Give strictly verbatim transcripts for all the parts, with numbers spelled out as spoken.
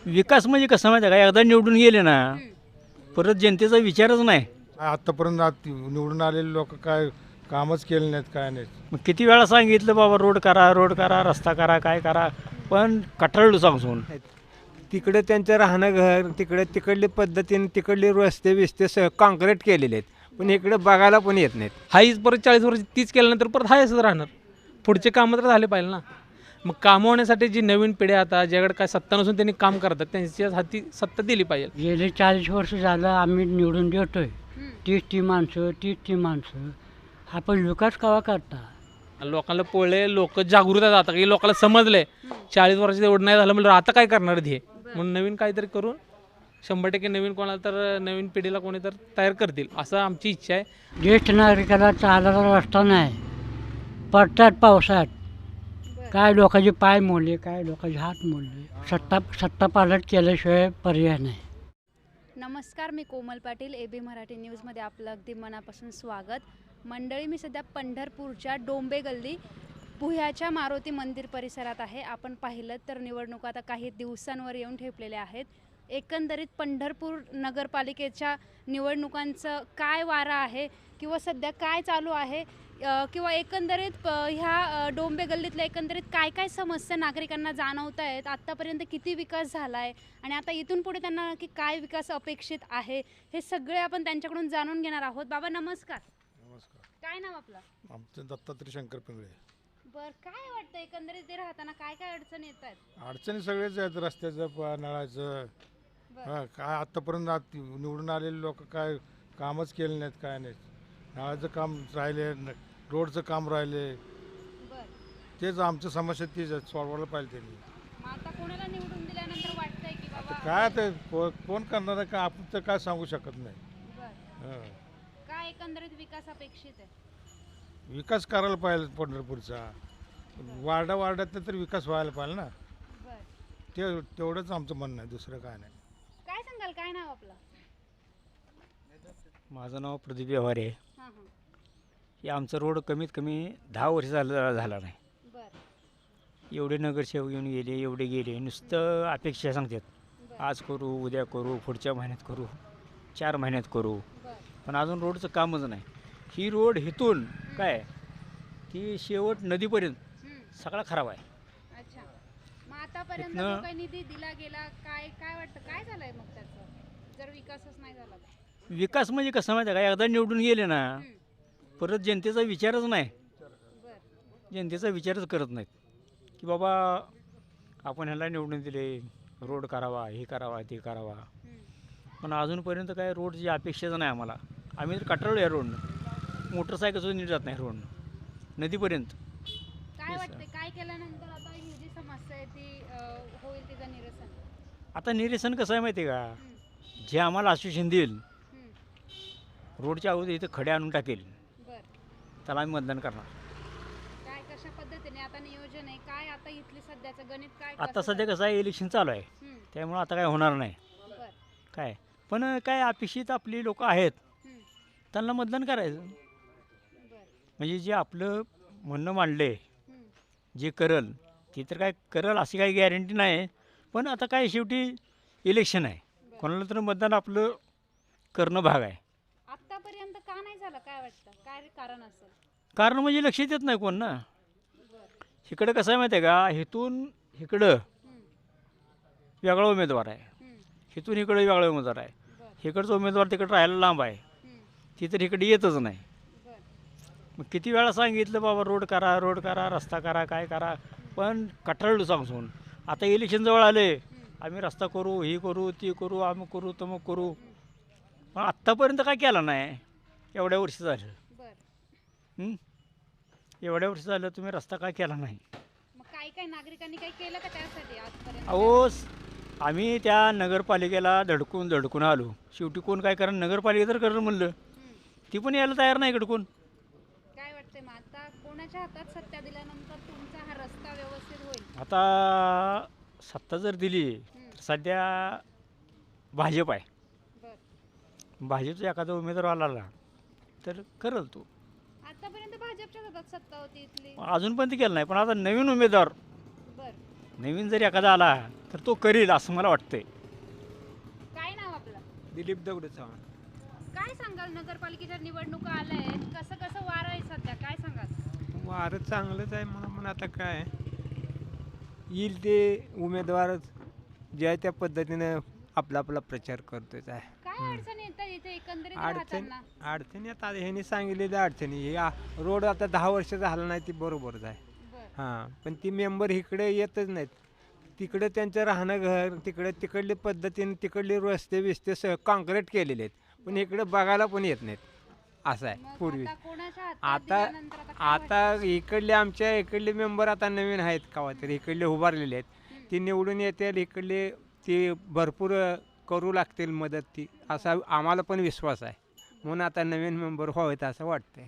विकास म्हणजे कसं माहिती आहे का, एकदा निवडून गेले ना परत जनतेचा विचारच नाही. आत्तापर्यंत आत- निवडून आलेले लोक काय कामच केले नाहीत, काय नाहीत. मग किती वेळा सांगितलं बाबा रोड करा, रोड करा, रस्ता करा, काय करा, पण कटाळलो सांगून. तिकडे त्यांचं राहणं घर तिकडे तिकडली पद्धतीने तिकडले रस्ते बिस्ते स काँक्रीट केलेले आहेत, पण इकडे बघायला पण येत नाहीत. हाईच परत चाळीस वर्ष तीच केल्यानंतर परत हाय असंच राहणार. पुढचे कामं तर झाले पाहिजे ना. मग कामं होण्यासाठी जी नवीन पिढी आता ज्याकडे काय सत्ता नसून त्यांनी काम करतात त्यांच्या हाती सत्ता दिली पाहिजे. गेले चाळीस वर्ष झालं आम्ही निवडून देतोय. तीच ती माणसं तीच ती माणसं. आपण विकास कवा करता? लोकांना पोळले लोक जागृत आहेत आता की लोकांना समजले चाळीस वर्षाचं एवढं नाही झालं म्हणजे आता काय करणार हे म्हणून नवीन काहीतरी करून शंभर टक्के नवीन कोणाला तर नवीन पिढीला कोणी तर तयार करतील असं आमची इच्छा आहे. ज्येष्ठ नागरिकाला चालायला रस्ता नाही, पडतात पावसात. काय लोकांचे पाय मोडले, काय लोकांचे हात मोडले. सत्ता सत्ता पालट केल्याशिवाय पर्याय नाही. नमस्कार, मी कोमल पाटील. ए बी मराठी न्यूजमध्ये आपलं अगदी मनापासून स्वागत. मंडळी, मी सध्या पंढरपूरच्या डोंबे गल्ली पुह्याच्या मारुती मंदिर परिसरात आहे. आपण पाहिलं तर निवडणुका आता काही दिवसांवर येऊन ठेपलेल्या आहेत. एकंदरीत पंढरपूर नगरपालिकेच्या निवडणुकांचं काय वारा आहे किंवा सध्या काय चालू आहे किंवा एकंदरीत ह्या डोंबे गल्लीतल्या एकंदरीत काय काय समस्या नागरिकांना जाणवत आहेत, आत्तापर्यंत किती विकास झाला आहे आणि आता इथून पुढे त्यांना नक्की काय विकास अपेक्षित आहे, हे सगळे आपण त्यांच्याकडून जाणून घेणार आहोत. बाबा नमस्कार. नमस्कार. काय नाव आपलं? आमचं दत्तात्रय शंकर पिंगळे. बर, काय वाटतं एकंदरीत ते राहताना काय काय अडचणी येत आहेत? अडचणी सगळेच आहेत, रस्त्याचं प- नळाचं. हा, काय आत्तापर्यंत आत- निवडून आलेले लोक काय कामच केले नाहीत, काय नाहीत. नळाचं काम राहिले, न- रोडचं काम राहिले. बर, तेच आमचं समस्या तीच आहे, सोडवायला पाहिजे त्यांनी. मग आता कोणाला निवडून दिल्यानंतर वाटतंय की आता बाबा काय ते को- कोण करणार आहे, का आपण तर काय सांगू शकत नाही. बर, हा. काय एकंदरीत विकास अपेक्षित आहे? विकास करायला पाहिजे पंढरपूरचा. वार्डा वार्डात तर विकास व्हायला पाहिजे ना. बर, ते तेवढंच आमचं म्हणणं आहे, दुसरं काय नाही. काय सांगाल, काय नाव आपलं? माझं नाव प्रदीप व्यवहारे आहे. हां हां. की आमचं रोड कमीत कमी दहा वर्ष झालं झाला नाही. बर, एवढे नगरसेवक येऊन गेले, एवढे गेले, नुसतं अपेक्षा सांगतात. बर, आज करू, उद्या करू, पुढच्या महिन्यात करू, चार महिन्यात करू, बर. पण अजून रोडचं कामच नाही. ही रोड इथून काय की शेवट नदीपर्यंत हम्म, सगळा खराब आहे. अच्छा. मग आतापर्यंत इथनं- जो काही निधी दिला गेला, काय काय वाटतं काय झालंय मग त्याचं, जर विकासच नाही झाला तर? विकास म्हणजे कसं माहिती आहे का, एकदा निवडून गेले ना हम्म, परत जनतेचा विचारच नाही. बर, जनतेचा विचारच करत नाहीत की बाबा आपण ह्याला निवडून दिले, रोड करावा, हे करावा, ते करावा, हम्म. पण अजूनपर्यंत काय रोडची अपेक्षाच नाही आम्हाला. आम्ही तर कटाळलो या रोडनं. मोटरसायकल नीट जात नाही रोडनं नदीपर्यंत. काय वाटतंय काय केल्यानंतर आता ही जी समस्या आहे ती अं, होईल तिचं निरसन? आता निरसन कसं आहे माहिती आहे का, हम्म, जे आम्हाला आश्वासन देईल हम्म, रोडच्या अगोदर इथं खडे आणून टाकेल बर. त्याला आम्ही मतदान करणार. काय कशा पद्धतीने आता नियोजन आहे, काय आता इथली सध्याचं गणित काय आता कसं सध्या कसं आहे, इलेक्शन चालू आहे, हम्म, त्यामुळं आता काय होणार नाही. बर, काय पण काय अपेक्षित आपली लोक आहेत हम्म, त्यांना मतदान करायचं. बर, म्हणजे जे आपलं म्हणणं मांडले, हम्म, जे करल ते तर काय करल अशी काही गॅरंटी नाही. पण आता काय शेवटी इलेक्शन आहे, बर. कोणाला तर मतदान आपलं करणं भाग आहे. आतापर्यंत का नाही झालं काय वाटतं, काय कारण असेल? कारण म्हणजे लक्ष देत नाही कोण ना. बर, इकडं कसं आहे माहिती आहे का, इथून इकडं हम्म, वेगळा उमेदवार आहे, हम्म, इथून इकडं वेगळा उमेदवार आहे. बर, इकडचा उमेदवार तिकडं राहायला लांब आहे, हम्म, ती तर इकडे येतच नाही. बर, मग किती वेळा सांगितलं बाबा रोड करा, रोड करा, रस्ता करा, काय करा, पण कटाळलो सांगून. आता इलेक्शन जवळ आले, आम्ही रस्ता करू, ही करू, ती करू, आम्ही करू, तमक करू, पण आत्तापर्यंत काय केलं नाही. एवढ्या वर्ष झालं, बर. हं? एवढ्या वर्ष झालं तुम्ही रस्ता काय केला नाही. मग काय काय नागरिकांनी काही केलं का त्यासाठी आजपर्यंत? अहो स- आम्ही त्या नगरपालिकेला धडकून धडकून आलो, शेवटी कोण काय करा, नगरपालिका तर करणं म्हणलं, हम्म. ती पण यायला तयार नाही इकडं कोण. काय वाटतंय मग आता कोणाच्या हातात सत्ता दिल्यानंतर तुमचा हा रस्ता व्यवस्थित होईल? आता सत्ता जर दिली हम्म, तर सध्या भाजप आहे. बर. भाजपचा एखादा उमेदवार आला तर करल तो. आतापर्यंत भाजपच्याच हातात सत्ता होती इथली. अजून पण ते केलं नाही, पण आता नवीन उमेदवार बर, नवीन जरी एखादा आला तर तो करील असं मला वाटतंय. काय नाव आपलं? दिलीप दगडू चव्हाण. काय सांगाल, नगरपालिकेच्या निवडणुका आल्या आहेत, कसं कसं वारं आहे सध्या, काय सांगाल? वारं चांगलंच आहे मला, पण आता काय येईल ते उमेदवार ज्या त्या पद्धतीनं आपला आपला प्रचार करतोच आहे. काय अडचणी येतात इथे एकंदरीत अडचण राहताना? अडचणी आता ह्यांनी सांगितलेल्या अडचणी हे आ- रोड आता दहा वर्ष झाला नाही ती बरोबरच आहे. बरं. हां पण ती मेंबर इकडे येतच नाहीत. तिकडे त्यांचं राहणं घर तिकडे तिकडली पद्धतीने तिकडले रस्ते बिस्ते स काँक्रीट केलेले आहेत, पण इकडे बघायला पण येत नाहीत असं आहे मग पूर्वी. आता कोणाच्या हातात आता दिल्यानंतर आता काय वाटतं? आता इकडले आमच्या इकडले मेंबर आता नवीन आहेत कवा तरी इकडले उभारलेले आहेत, ती निवडून येतील इकडले ती भरपूर करू लागतील मदत ती असा आम्हाला पण विश्वास आहे, म्हणून आता नवीन मेंबर व्हावेत असं वाटतंय.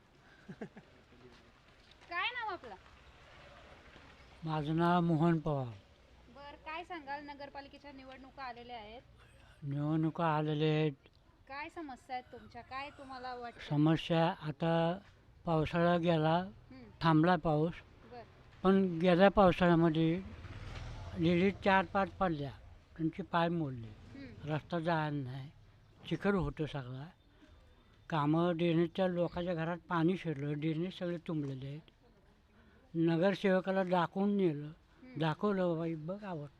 काय नाव आपलं? माझं नाव मोहन पवार. बर, काय सांगाल, नगरपालिकेच्या निवडणुका आलेल्या आहेत, निवडणुका आलेल्या आहेत. काय समस्या आहेत तुमच्या, काय तुम्हाला वाटतं? समस्या आता पावसाळा गेला, हं, थांबला पाऊस, बर. पण गेल्या पावसाळ्यामध्ये लेडी चार पाच पडल्या, त्यांचे पाय मोडले, हं, रस्ता जायला नाही, चिखल होतं सगळा. कामं ड्रेनेजच्या लोकांच्या घरात पाणी शिरलं, ड्रेनेज सगळे तुंबलेले आहेत. नगरसेवकाला दाखवून नेलं, दाखवलं बाई बघ आवडतं,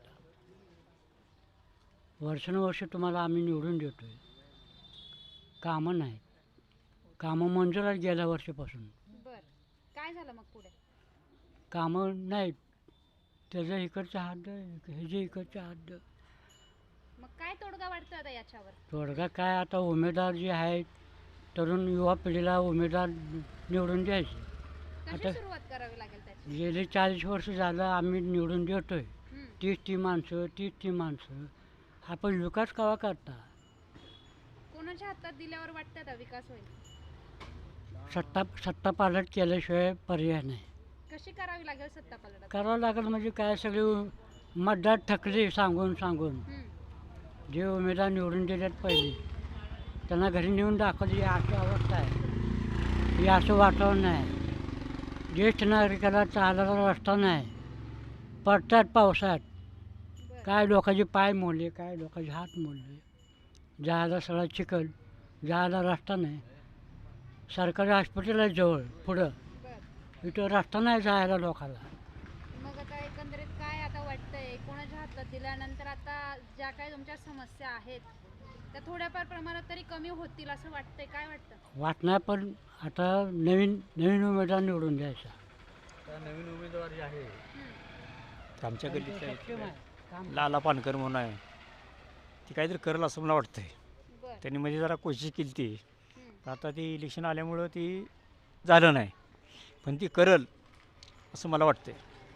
वर्षानुवर्ष तुम्हाला आम्ही निवडून देतो आहे, कामं नाहीत, कामं मंजूर आहेत गेल्या वर्षीपासून, बर. काय झालं मग पुढे? कामं नाहीत, त्याचं इकडचं हद्द ह्याचे इकडचं हद्द. मग काय तोडगा वाटतं आता याच्यावर? तोडगा काय आता उमेदवार जे आहेत तरुण युवा पिढीला उमेदवार निवडून द्यायचे. कशी आता- सुरुवात करावी लागेल त्याची? गेले चाळीस वर्ष झालं आम्ही निवडून देतोय, हं, तीच ती माणसं तीच ती माणसं, आपण विकास कवा करता? कोणाच्या हातात दिल्यावर वाटतं आता विकास होईल? सत्ता सत्ता पालट केल्याशिवाय पर्याय नाही. कशी करावी लागेल सत्ता पालट? करावं लागेल म्हणजे काय, सगळे मतदार थकले सांगून सांगून. हं, जे उमेदवार निवडून दिलेत पहिले त्यांना घरी नेऊन दाखवली ही अशी अवस्था आहे, हे असं वातावरण आहे, ज्येष्ठ नागरिकाला चालायला रस्ता नाही, पडतात पावसात, बर. काय लोकांचे पाय मोडले, काय लोकांचे हात मोडले, जायला सगळा चिखल, जायला रस्ता नाही. सरकारी हॉस्पिटल आहे जवळ पुढं, बर. इथं रस्ता नाही जायला लोकांना. मग आता एकंदरीत काय आता वाटतंय, कोणाच्या हातात दिल्यानंतर आता ज्या काही तुमच्या समस्या आहेत त्या थोड्याफार प्रमाणात तरी कमी होतील असं वाटतंय, काय वाटतं? वाटणार पण आता नवीन नवीन उमेदवार निवडून द्यायचा. नवीन उमेदवार जे आहे हं, आमच्या गल्लीत सक्षम आहे, काम लाला पानकर म्हणून आहे, ती काहीतरी करेल असं मला वाटतंय. बर. त्यांनी म्हणजे जरा कोशिश केली ती, हं, आता ती इलेक्शन आल्यामुळं ती झालं नाही, पण ती करल असं मला वाटतंय.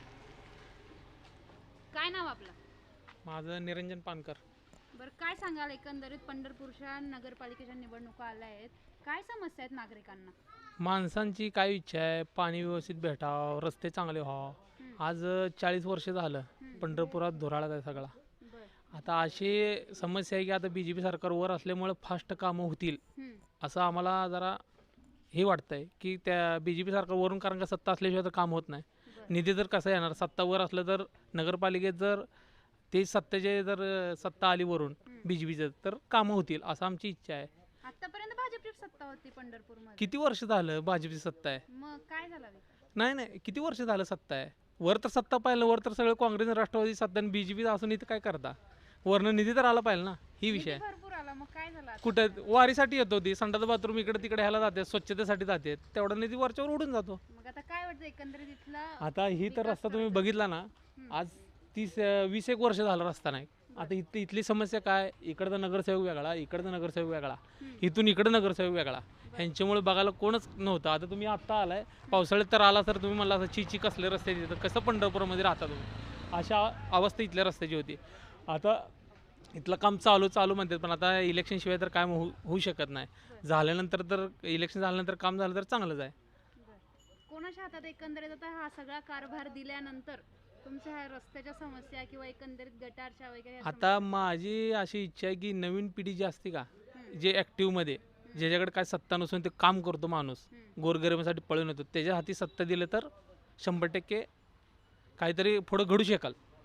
काय नाव आपलं? माझं निरंजन पानकर. बरं, काय सांगाल, एकंदरीत पंढरपूरच्या नगरपालिकेच्या निवडणुका आल्या आहेत, काय समस्या आहेत नागरिकांना? माणसांची काय इच्छा आहे, पाणी व्यवस्थित भेटावं, रस्ते चांगले व्हावं. हं, आज चाळीस वर्ष झालं हं, पंढरपुरात धुराळात आहे सगळा. बर. आता अशी समस्या आहे की आता बी जे पी सरकार वर असल्यामुळे फास्ट कामं होतील हं, असं आम्हाला जरा हे वाटतंय की त्या बी जे पी सरकारवरून, कारण का सत्ता असल्याशिवाय तर काम होत नाही. बर. निधी तर कसं येणार, सत्ता वर असलं तर नगरपालिकेत जर ते सत्तेचे जर सत्ता आली वरून हं. बी जे पीचं तर कामं होतील असं आमची इच्छा आहे. आतापर्यंत भाजपची सत्ता होती पंढरपूरमध्ये, किती वर्ष झालं भाजपची सत्ता आहे? मग काय झालं? नाही नाही किती वर्ष झालं सत्ता आहे? वर तर सत्ता पाहिलं, वर तर सगळं काँग्रेस राष्ट्रवादी सत्ता आणि बी जे पी असून इथं काय करता? वरनं निधी तर आला पाहिजे ना, ही विषय निधी आहे. भरपूर आला, मग काय झालं आता? कुठं वारीसाठी येतो ती संडास बाथरूम इकडे तिकडे ह्याला जाते, स्वच्छतेसाठी जाते, तेवढा निधी वरच्यावर उडून जातो. मग आता काय वाटतं एकंदरीत इथला? आता ही तर विकास रस्ता तुम्ही करायचा. बघितला ना, हं. आज तीस अं, वीस एक वर्ष झालं रस्ता नाही. आता इथली इथली समस्या काय, इकडचा नगरसेवक वेगळा, इकडचा नगरसेवक वेगळा, हं. इथून इकडं नगरसेवक वेगळा, ह्यांच्यामुळे बघायला कोणच नव्हतं. आता तुम्ही आत्ता आलाय, पावसाळ्यात तर आला तर तुम्ही म्हणला असं ची कसले रस्ते तिथं, कसं पंढरपूरमध्ये राहता तुम्ही, अशा अवस्था इथल्या रस्त्याची होती. आता इथलं काम चालू चालू म्हणतात, पण आता इलेक्शन शिवाय तर काय होऊ होऊ शकत नाही. झाल्यानंतर तर इलेक्शन झाल्यानंतर काम झालं तर चांगलंच आहे. बरं. कोणाच्या हातात एकंदरीत आता हा सगळा कारभार दिल्यानंतर तुमच्या ह्या रस्त्याच्या समस्या किंवा एकंदरीत गटारच्या वगैरे ह्या आता माझी अशी इच्छा आहे की नवीन पिढी जी असते का, हं. जे ॲक्टिव्हमध्ये, ज्याच्याकडे काय सत्ता नसून ते काम करतो माणूस, हं. गोरगरिबासाठी पळून येतो, त्याच्या हाती सत्ता दिलं तर शंभर टक्के काहीतरी पुढं घडू शकाल.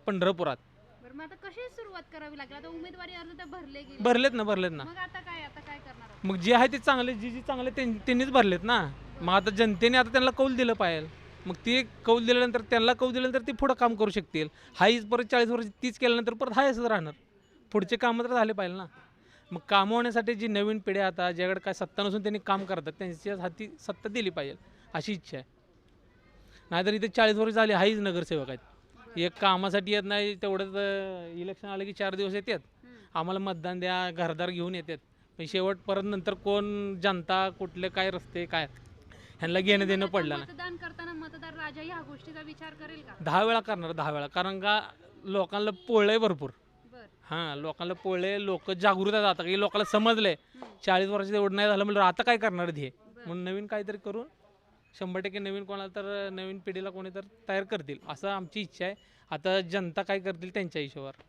पंढरपुरात. बरं मग आता कशी सुरुवात करावी लागेल? आता उमेदवारी अर्ज तर भरले गेले. भरलेत ना भरलेत ना मग आता काय आता काय करणार आहात? मग जे आहे ते चांगले, जी जी चांगले त्यां- त्यांनीच भरलेत ना. मग आता जनतेने आता त्यांना कौल दिलं पाहिजे. मग ते कौल दिल्यानंतर त्यांना कौल दिल्यानंतर ते पुढं काम करू शकतील. हाईच परत चाळीस वर्ष तीच केल्यानंतर परत हायच राहणार. पुढचे कामं तर झाले पाहिजे ना. मग कामं होण्यासाठी जी नवीन पिढी आता ज्याकडे काय सत्ता नसून त्यांनी काम करतात त्यांच्या हाती सत्ता दिली पाहिजे अशी इच्छा आहे. नाहीतर इथे चाळीस वर्ष झाली हाईच नगरसेवक आहेत. एक कामासाठी येत नाही तेवढंच इलेक्शन आलं की चार दिवस येतात, आम्हाला मतदान द्या घरदार घेऊन येतात. पण शेवट परत नंतर कोण जनता कुठले काय रस्ते काय ह्यांना घेणं देणं आता पडलं ना. मतदान करताना मतदार राजा ह्या गोष्टीचा विचार करेल का? दहा वेळा करणार दहा वेळा, कारण का लोकांना पोळलंय भरपूर. बरं. हां लोकांना पोळले, लोक जागृत आहेत आता की लोकांना समजले चाळीस वर्षाचं एवढं नाही झालं म्हणलं आता काय करणार हे. म्हणून नवीन काहीतरी करून शंभर टक्के नवीन कोणाला तर नवीन पिढीला कोणी तर तयार करतील असं आमची इच्छा आहे. आता जनता काय करतील त्यांच्या हिशोबावर.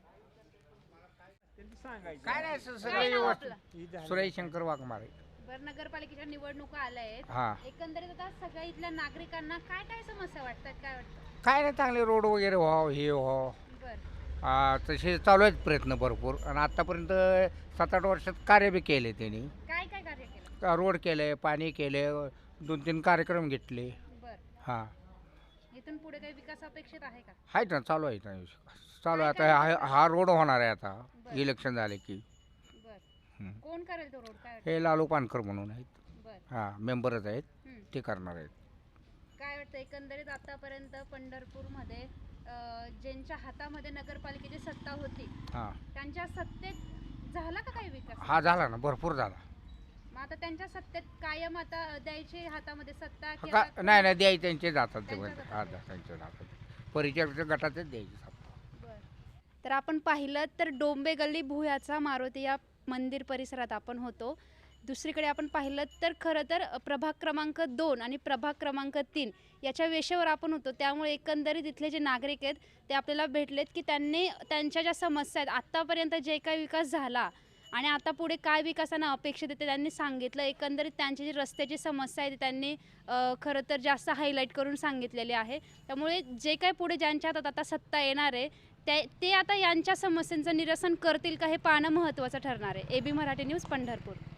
काय नाही सर, काय सगळं नाव व्यवस्थित. सुरेश शंकर वाघमारे. बरं नगरपालिकेच्या निवडणुका आल्या आहेत. हा एकंदरीत आता सगळ्या इथल्या नागरिकांना काय काय समस्या वाटतात, काय वाटतं? काय नाही, चांगले रोड वगैरे व्हावं हे व्हावं. बरं. आ, तसे चालू आहेत प्रयत्न भरपूर. आणि आतापर्यंत सात आठ वर्षात कार्य बी केले त्यांनी. काय काय कार्य केलं? का रोड केले, पाणी केले, दोन तीन कार्यक्रम घेतले. बरं. हां इथून पुढे काही विकास अपेक्षित आहे का? आहेत ना, चालू आहे ना चालू आहे आता. हा हा रोड होणार आहे आता बरं. इलेक्शन झाले की. बरं. हं. कोण करेल तो रोड, काय वाटतं? हे लालू पानकर म्हणून आहेत. बरं. हां मेंबरच आहेत, हं. ते करणार आहेत. काय वाटतं एकंदरीत आतापर्यंत पंढरपूरमध्ये अं, ज्यांच्या हातामध्ये नगरपालिकेची सत्ता होती हां त्यांच्या सत्तेत झाला का काही विकास? हा झाला ना, भरपूर झाला. मग आता त्यांच्या सत्तेत कायम आता द्यायची हातामध्ये सत्ता की का आता- नाही नाही द्यायचे त्यांचे जातात ते त्यांच्या म्हणजे. जातात. हा त्यांचे जातात परिचयाच्या गटातच द्यायचे सत्ता. बरं. तर आपण पाहिलं तर डोंबे गल्ली भुयाचा मारुती या मंदिर परिसरात आपण होतो. दुसरीकडे आपण पाहिलं तर खरं तर प्रभाग क्रमांक दोन आणि प्रभाग क्रमांक तीन याच्या वेशेवर आपण होतो. त्यामुळे एकंदरीत इथले जे नागरिक आहेत ते आपल्याला भेटलेत की त्यांनी त्यांच्या ज्या समस्या आहेत आत्तापर्यंत जे काही विकास झाला आणि आता पुढे काय विकासानं अपेक्षित आहे ते त्यांनी सांगितलं. एकंदरीत त्यांची जी रस्त्याची समस्या आहे ती त्यांनी अ, खरं तर जास्त हायलाईट करून सांगितलेली आहे. त्यामुळे जे काही पुढे ज्यांच्या हातात आता सत्ता येणार आहे ते ते आता यांच्या समस्यांचं निरसन करतील का हे पाहणं महत्त्वाचं ठरणार आहे. A B Marathi news Pandharpur.